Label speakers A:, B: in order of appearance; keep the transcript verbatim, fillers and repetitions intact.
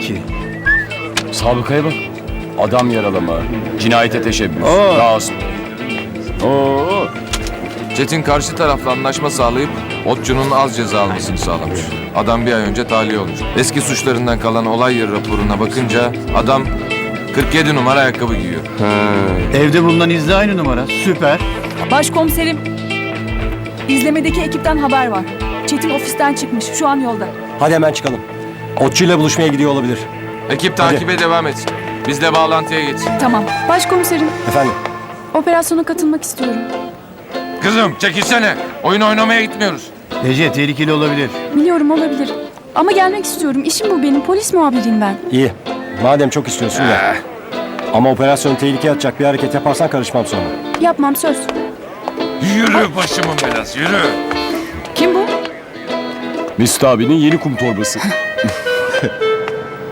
A: ki?
B: Sabıkaya bak. Adam yaralama, cinayete teşebbüs,
A: Aa.
B: gasp. Oo.
C: Çetin karşı tarafla anlaşma sağlayıp Otçu'nun az ceza almasını sağlamış. Adam bir ay önce tahliye olmuş. Eski suçlarından kalan olay yeri raporuna bakınca adam kırk yedi numara ayakkabı giyiyor.
A: Evde bulunan izle aynı numara. Süper.
D: Başkomiserim, izlemedeki ekipten haber var. Çetin ofisten çıkmış, şu an yolda.
E: Hadi hemen çıkalım. Otçuyla buluşmaya gidiyor olabilir.
C: Ekip takibe devam etsin. Biz de bağlantıya geçsin.
D: Tamam.
F: Başkomiserim,
E: Efendim?
F: operasyona katılmak istiyorum.
C: Kızım çekilsene. Oyun oynamaya gitmiyoruz.
A: Ece tehlikeli olabilir.
F: Biliyorum, olabilir. Ama gelmek istiyorum. İşim bu benim. Polis muhabiriyim ben.
E: İyi. Madem çok istiyorsun ya. Ama operasyonu tehlikeye atacak bir hareket yaparsan karışmam sonra.
F: Yapmam, söz.
C: Yürü başımın belası yürü.
F: Kim bu?
B: Mesut abinin yeni kum torbası.